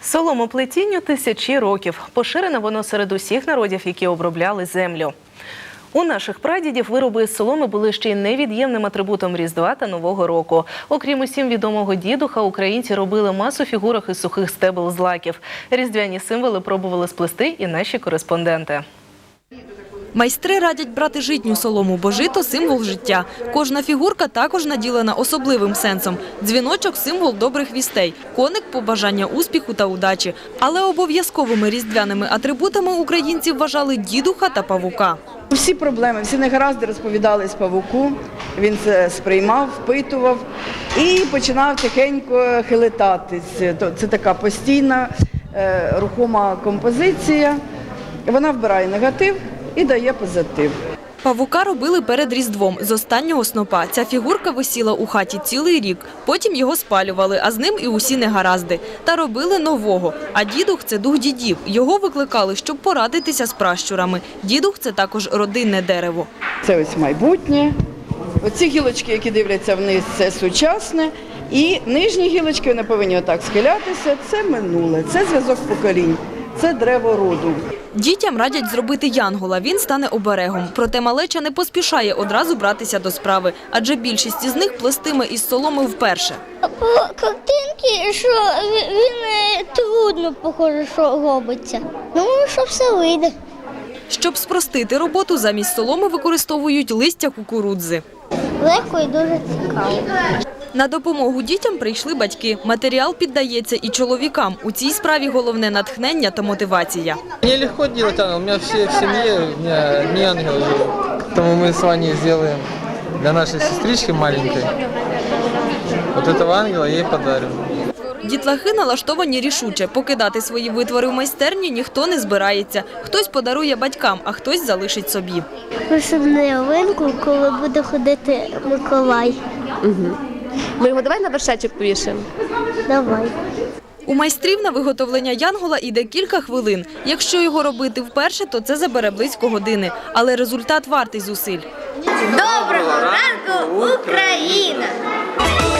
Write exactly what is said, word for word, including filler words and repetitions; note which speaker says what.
Speaker 1: Соломоплетінню тисячі років. Поширене воно серед усіх народів, які обробляли землю. У наших прадідів вироби із соломи були ще й невід'ємним атрибутом Різдва та Нового року. Окрім усім відомого дідуха, українці робили масу фігурок із сухих стебел злаків. Різдвяні символи пробували сплести і наші кореспонденти.
Speaker 2: Майстри радять брати житню солому, бо жито – символ життя. Кожна фігурка також наділена особливим сенсом. Дзвіночок – символ добрих вістей, коник – побажання успіху та удачі. Але обов'язковими різдвяними атрибутами українці вважали дідуха та павука.
Speaker 3: Всі проблеми, всі негаразди розповідались павуку, він це сприймав, впитував і починав тихенько хилитатись. Це така постійна рухома композиція, вона вбирає негатив і дає позитив.
Speaker 2: Павука робили перед Різдвом з останнього снопа. Ця фігурка висіла у хаті цілий рік. Потім його спалювали, а з ним і усі негаразди. Та робили нового. А дідух – це дух дідів. Його викликали, щоб порадитися з пращурами. Дідух – це також родинне дерево.
Speaker 3: Це ось майбутнє. Оці гілочки, які дивляться вниз, це сучасне. І нижні гілочки, вони повинні отак схилятися, це минуле, це зв'язок поколінь. Це древо роду.
Speaker 2: Дітям радять зробити янгола, він стане оберегом. Проте малеча не поспішає одразу братися до справи, адже більшість із них плестиме із соломи вперше.
Speaker 4: По картинці, що він трудно, похоже, що робиться. Думаю, що все вийде.
Speaker 2: Щоб спростити роботу, замість соломи використовують листя кукурудзи.
Speaker 4: Легко і дуже цікаво.
Speaker 2: На допомогу дітям прийшли батьки. Матеріал піддається і чоловікам. У цій справі головне натхнення та мотивація.
Speaker 5: Мені легко робити ангел. У мене всі в сім'ї, у мене не ангел живе. Тому ми з вами зробимо для нашої сестрички маленької. Ось цього ангела я їй подарю.
Speaker 2: Дітлахи налаштовані рішуче. Покидати свої витвори в майстерні ніхто не збирається. Хтось подарує батькам, а хтось залишить собі.
Speaker 4: Пишемо ялинку, коли буде ходити Миколай.
Speaker 6: Угу. Ми його давай на вершечок повішаємо.
Speaker 4: Давай.
Speaker 2: У майстрів на виготовлення янгола йде кілька хвилин. Якщо його робити вперше, то це забере близько години. Але результат вартий зусиль.
Speaker 4: Доброго ранку, Україна!